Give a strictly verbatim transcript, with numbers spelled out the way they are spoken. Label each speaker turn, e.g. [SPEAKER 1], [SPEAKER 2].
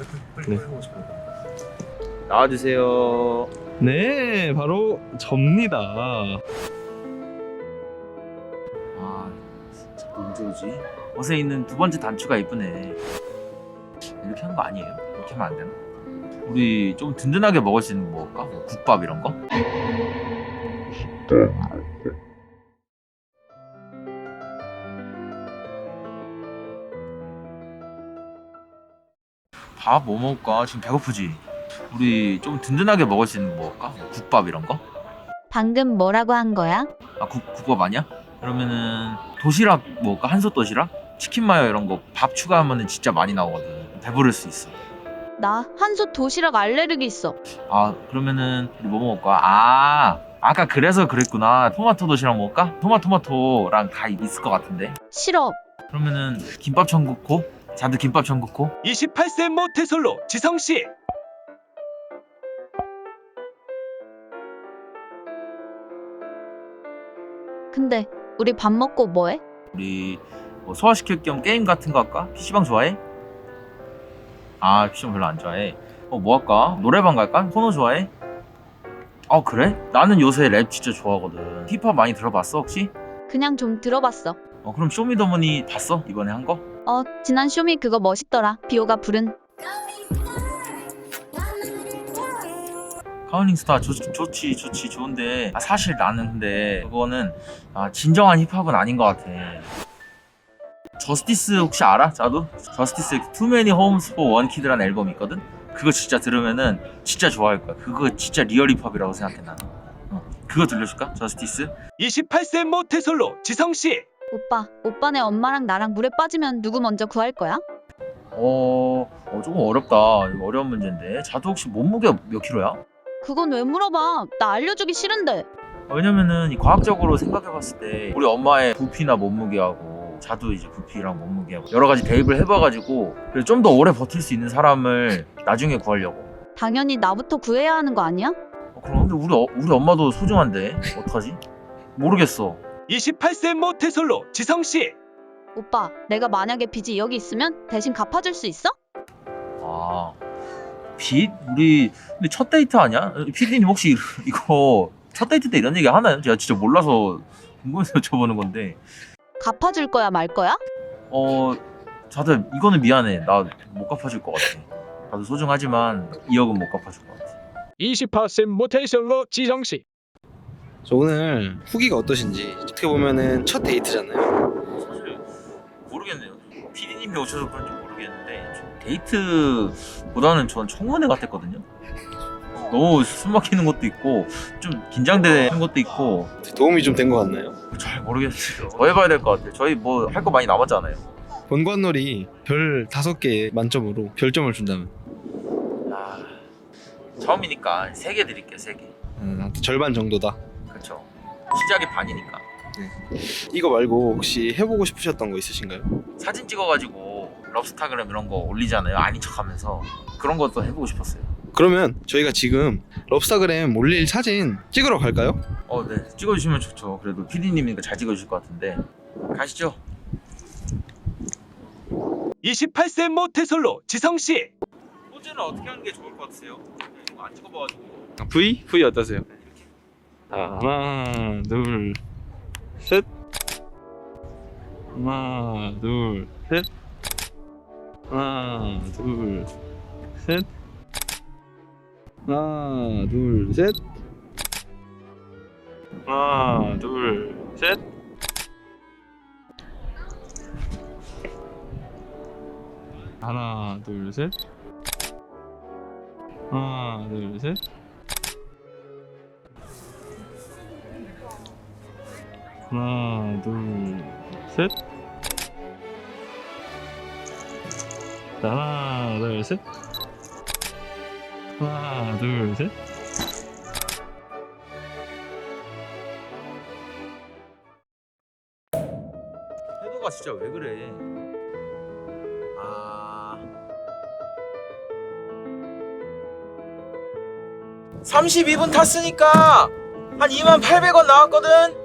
[SPEAKER 1] 네.
[SPEAKER 2] 나와주세요.
[SPEAKER 1] 네, 바로 접니다.
[SPEAKER 2] 아, 진짜 언제 오지? 옷에 있는 두 번째 단추가 이쁘네. 이렇게 하는 거 아니에요? 이렇게 하면 안 되나? 우리 좀 든든하게 먹을 수 있는 거 먹을까? 뭐 국밥 이런 거? 밥 뭐 먹을까? 지금 배고프지? 우리 좀 든든하게 먹을 수 있는 거 먹을까? 뭐 국밥 이런 거?
[SPEAKER 3] 방금 뭐라고 한 거야?
[SPEAKER 2] 아, 국, 국밥 아니야? 그러면은 도시락 먹을까? 한솥 도시락? 치킨 마요 이런 거 밥 추가하면은 진짜 많이 나오거든. 배부를 수 있어.
[SPEAKER 3] 나 한솥 도시락 알레르기 있어.
[SPEAKER 2] 아, 그러면은 우리 뭐 먹을까? 아, 아까 그래서 그랬구나. 토마토 도시락 먹을까? 토마토마토랑 다 있을 것 같은데.
[SPEAKER 3] 싫어.
[SPEAKER 2] 그러면은 김밥 천국호? 자두 김밥 천국호?
[SPEAKER 4] 이십팔 세 모태솔로 지성씨.
[SPEAKER 3] 근데 우리 밥 먹고 뭐해?
[SPEAKER 2] 우리 뭐 소화시킬 겸 게임 같은 거 할까? 피시방 좋아해? 아, 피시방 별로 안 좋아해. 어, 뭐 할까? 노래방 갈까? 코너 좋아해? 어, 그래? 나는 요새 랩 진짜 좋아하거든. 힙합 많이 들어봤어 혹시?
[SPEAKER 3] 그냥 좀 들어봤어.
[SPEAKER 2] 어, 그럼 쇼미더머니 봤어? 이번에 한 거?
[SPEAKER 3] 어, 지난 쇼미 그거 멋있더라. 비오가 부른.
[SPEAKER 2] 카운링 스타 좋, 좋지 좋지 좋은데, 아, 사실 나는 근데 그거는 아, 진정한 힙합은 아닌 것 같아. 저스티스 혹시 알아? 자두? 저스티스 Too Many Homes for One Kid라는 앨범이 있거든? 그거 진짜 들으면은 진짜 좋아할 거야. 그거 진짜 리얼 힙합이라고 생각해 나는. 어, 그거 들려줄까? 저스티스?
[SPEAKER 4] 이십팔 세 모태솔로 지성씨.
[SPEAKER 3] 오빠, 오빠네 엄마랑 나랑 물에 빠지면 누구 먼저 구할 거야?
[SPEAKER 2] 어, 어 조금 어렵다. 이거 어려운 문제인데. 자두 혹시 몸무게 몇 킬로야?
[SPEAKER 3] 그건 왜 물어봐? 나 알려주기 싫은데.
[SPEAKER 2] 왜냐면은 이 과학적으로 생각해봤을 때 우리 엄마의 부피나 몸무게하고 자두 이제 부피랑 몸무게하고 여러 가지 대입을 해봐가지고 좀 더 오래 버틸 수 있는 사람을 나중에 구하려고.
[SPEAKER 3] 당연히 나부터 구해야 하는 거 아니야?
[SPEAKER 2] 어, 그럼 근데 우리 어, 우리 엄마도 소중한데 어떡하지? 모르겠어.
[SPEAKER 4] 이십팔 세 모태솔로 지성씨.
[SPEAKER 3] 오빠, 내가 만약에 빚이 여기 있으면 대신 갚아줄 수 있어?
[SPEAKER 2] 아, 빚? 우리 근데 첫 데이트 아니야? 피디님 혹시 이거 첫 데이트 때 이런 얘기 하나요? 제가 진짜 몰라서 궁금해서 여쭤보는 건데.
[SPEAKER 3] 갚아줄 거야 말 거야?
[SPEAKER 2] 어, 자두 이거는 미안해. 나 못 갚아줄 것 같아. 나도 소중하지만 이억은 못 갚아줄 것 같아.
[SPEAKER 4] 이십팔 세 모태솔로 지성씨.
[SPEAKER 5] 저 오늘 후기가 어떠신지. 어떻게 보면은 첫 데이트잖아요.
[SPEAKER 2] 사실 모르겠네요. 피디님이 오셔서 그런지 모르겠는데 좀 데이트보다는 전 청문회 같았거든요. 너무 숨 막히는 것도 있고 좀 긴장되는 것도 있고
[SPEAKER 5] 도움이 좀 된 것 같나요?
[SPEAKER 2] 잘 모르겠어요. 더 해봐야 될 것 같아요. 저희 뭐 할 거 많이 남았잖아요.
[SPEAKER 5] 본관놀이 별 다섯 개 만점으로 별점을 준다면
[SPEAKER 2] 아, 처음이니까 세 개 드릴게요. 세 개.
[SPEAKER 5] 음, 절반 정도다.
[SPEAKER 2] 그렇죠. 시작이 반이니까.
[SPEAKER 5] 이거 말고 혹시 해보고 싶으셨던 거 있으신가요?
[SPEAKER 2] 사진 찍어가지고 럽스타그램 이런 거 올리잖아요. 아닌 척하면서 그런 것도 해보고 싶었어요.
[SPEAKER 5] 그러면 저희가 지금 럽스타그램 올릴 사진 찍으러 갈까요?
[SPEAKER 2] 어, 네. 찍어주시면 좋죠. 그래도 피디님이니까 잘 찍어주실 것 같은데. 가시죠.
[SPEAKER 4] 이십팔 세 모태솔로 지성씨.
[SPEAKER 2] 포즈는 어떻게 하는 게 좋을 것 같으세요? 이런 거 안 찍어봐가지고.
[SPEAKER 1] V? V 어떠세요? 자, 하나, 둘, 셋. 하나, 둘, 셋. 하나, 둘, 셋. 하나, 둘, 셋. 하나, 둘, 셋. 하나, 둘, 셋. 하나, 둘, 셋. 하나, 둘, 셋. 하나, 둘, 셋. 하나, 둘, 셋.
[SPEAKER 2] 태도가 진짜 왜 그래? 아, 삼십이 분 탔으니까 한 이만 팔백 원 나왔거든?